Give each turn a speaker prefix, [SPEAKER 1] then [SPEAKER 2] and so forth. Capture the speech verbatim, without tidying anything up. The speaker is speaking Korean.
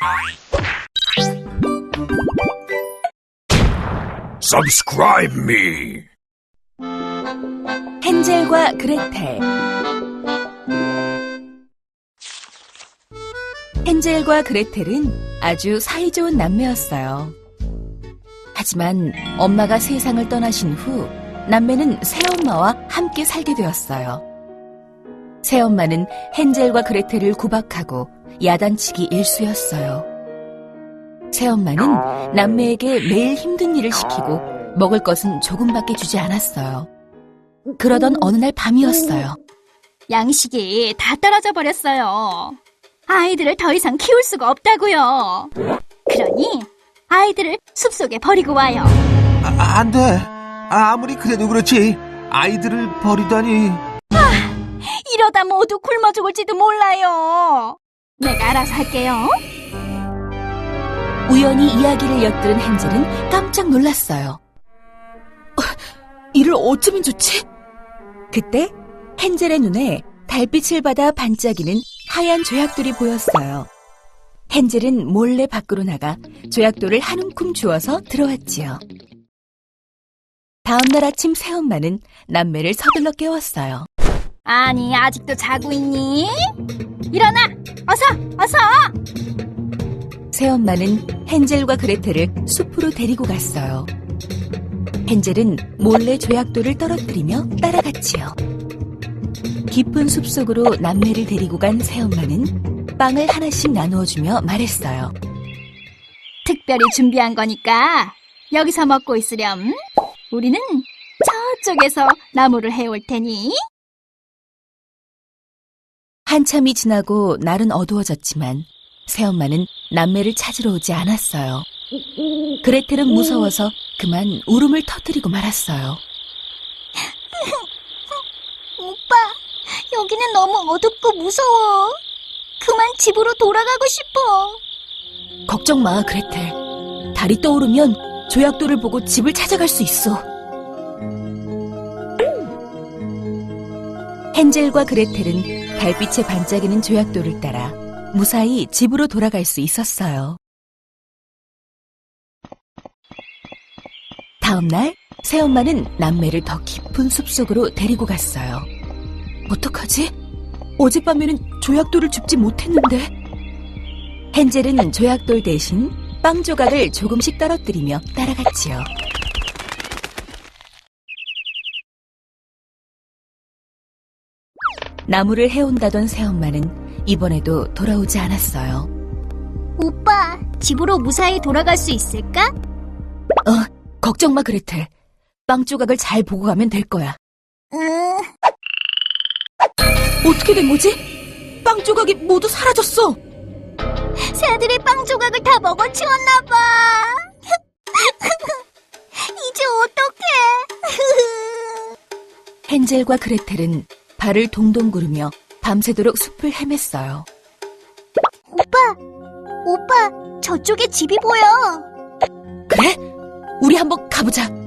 [SPEAKER 1] Subscribe me.
[SPEAKER 2] 헨젤과 그레텔. 헨젤과 그레텔은 아주 사이좋은 남매였어요. 하지만 엄마가 세상을 떠나신 후 남매는 새엄마와 함께 살게 되었어요. 새엄마는 헨젤과 그레텔을 구박하고 야단치기 일수였어요. 새엄마는 남매에게 매일 힘든 일을 시키고 먹을 것은 조금밖에 주지 않았어요. 그러던 어느 날 밤이었어요.
[SPEAKER 3] 양식이 다 떨어져 버렸어요. 아이들을 더 이상 키울 수가 없다고요. 그러니 아이들을 숲속에 버리고 와요.
[SPEAKER 4] 아, 안 돼. 아무리 그래도 그렇지. 아이들을 버리다니.
[SPEAKER 3] 아, 이러다 모두 굶어 죽을지도 몰라요. 내가 알아서 할게요.
[SPEAKER 2] 우연히 이야기를 엿들은 헨젤은 깜짝 놀랐어요. 어, 이를 어쩌면 좋지? 그때 헨젤의 눈에 달빛을 받아 반짝이는 하얀 조약돌이 보였어요. 헨젤은 몰래 밖으로 나가 조약돌을 한 움큼 주워서 들어왔지요. 다음 날 아침 새엄마는 남매를 서둘러 깨웠어요.
[SPEAKER 3] 아니, 아직도 자고 있니? 일어나! 어서! 어서!
[SPEAKER 2] 새엄마는 헨젤과 그레텔을 숲으로 데리고 갔어요. 헨젤은 몰래 조약돌을 떨어뜨리며 따라갔지요. 깊은 숲속으로 남매를 데리고 간 새엄마는 빵을 하나씩 나누어주며 말했어요.
[SPEAKER 3] 특별히 준비한 거니까 여기서 먹고 있으렴. 우리는 저쪽에서 나무를 해올 테니.
[SPEAKER 2] 한참이 지나고 날은 어두워졌지만 새엄마는 남매를 찾으러 오지 않았어요. 그레텔은 무서워서 그만 울음을 터뜨리고 말았어요.
[SPEAKER 3] 오빠, 여기는 너무 어둡고 무서워. 그만 집으로 돌아가고 싶어.
[SPEAKER 2] 걱정 마, 그레텔. 달이 떠오르면 조약돌을 보고 집을 찾아갈 수 있어. 헨젤과 그레텔은 달빛에 반짝이는 조약돌을 따라 무사히 집으로 돌아갈 수 있었어요. 다음 날 새엄마는 남매를 더 깊은 숲속으로 데리고 갔어요. 어떡하지? 어젯밤에는 조약돌을 줍지 못했는데. 헨젤은 조약돌 대신 빵 조각을 조금씩 떨어뜨리며 따라갔지요. 나무를 해온다던 새엄마는 이번에도 돌아오지 않았어요.
[SPEAKER 3] 오빠, 집으로 무사히 돌아갈 수 있을까?
[SPEAKER 2] 어, 걱정 마, 그레텔. 빵 조각을 잘 보고 가면 될 거야.
[SPEAKER 3] 음...
[SPEAKER 2] 어떻게 된 거지? 빵 조각이 모두 사라졌어.
[SPEAKER 3] 새들이 빵 조각을 다 먹어치웠나 봐. 이제 어떡해.
[SPEAKER 2] 헨젤과 그레텔은 발을 동동 구르며 밤새도록 숲을 헤맸어요.
[SPEAKER 3] 오빠, 오빠, 저쪽에 집이 보여.
[SPEAKER 2] 그래? 우리 한번 가보자.